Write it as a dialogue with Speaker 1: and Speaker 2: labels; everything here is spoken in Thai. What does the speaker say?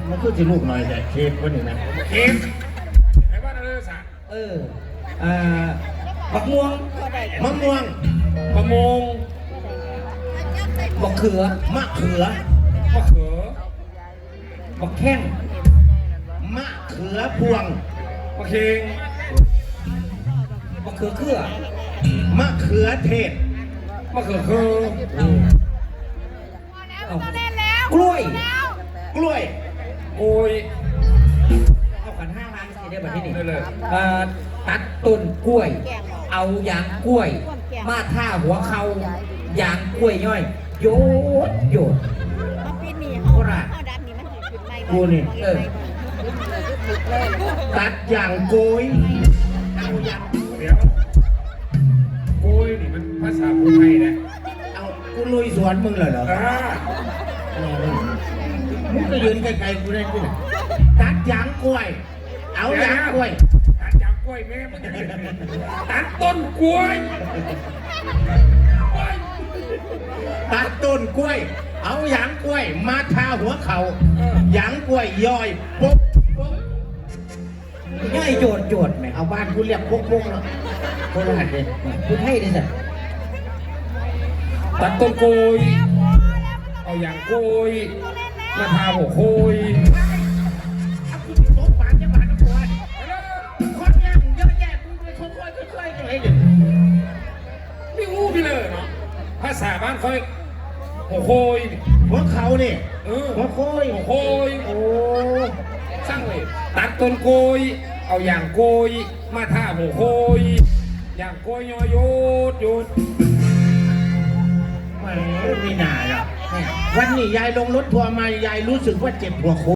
Speaker 1: มันคือสิลูกหน่อยแต่เค้กวันนี้นะ
Speaker 2: เค้กไอ้บ้านอะไรสัก
Speaker 3: บักม่วง
Speaker 1: มะม่วง
Speaker 2: มะม่วง
Speaker 3: บักเขือ
Speaker 1: มะเขือ
Speaker 2: มะเขือ
Speaker 3: บักแข้ง
Speaker 1: มะเขือพวง
Speaker 2: มะเค็ง
Speaker 3: บักเขือเครือ
Speaker 1: มะเขือเทศ
Speaker 2: มะเขือคือ
Speaker 3: กล้วย
Speaker 1: กล้วย
Speaker 2: โอ้ย
Speaker 3: เอาขัน5 ล้านสิได้แบบนี้นี่
Speaker 2: ได้เลย
Speaker 3: ตัดต้นกล้วยเอายางกล้วยมาท่าหัวเขายางกล้วยย่อยโยดโยดโคราช
Speaker 1: กูนี่ตัดอย่างโกยเอาอย่าง
Speaker 2: เดี๋ยวโอ้ยนี่มันภาษาพูดไทยนะ
Speaker 1: เอากูลุยสวนมึงเลยเหรอมึงก็ยืนไกลๆกูได้กูตัดอย่างกล้วยเอาอย่างกล้วย
Speaker 2: ตัดอย่างกล้วยแม่มึงตัดต้นกล้วย
Speaker 1: ตัดต้นกล้วยเอาหยางกล้วยมาทาหัวเขาหยางกล้วยย่อยปุ๊บ
Speaker 3: ย่อยโจดโจดไหม
Speaker 1: เอาบ้านกูเรียกปุ๊กเนาะโคราชเลย
Speaker 3: พูดให้ดิสิ
Speaker 2: ตัดต้นกล้วยเอาอย่างกล้วยมาทาหัวโคย
Speaker 1: โต๊ะปานจะบานกล้วยคนย่างเยอะแยะมึงไปค่อยๆอะไรเดี๋ยว
Speaker 2: ไม่รู้พี่เลยเนาะภาษาบ้านเขาหัวโคย
Speaker 1: หัวเขาเนี่ยหัวโคย
Speaker 2: หัวโคย
Speaker 1: โอ้
Speaker 2: สร้างเลยตัดต้นโกยเอาอย่างโกยมาท่าหัวโคยอย่างโกยยอโยดโยด
Speaker 1: ไม่น่าหรอกวันนี้ยายลงรถทัวร์มายายรู้สึกว่าเจ็บหัวโค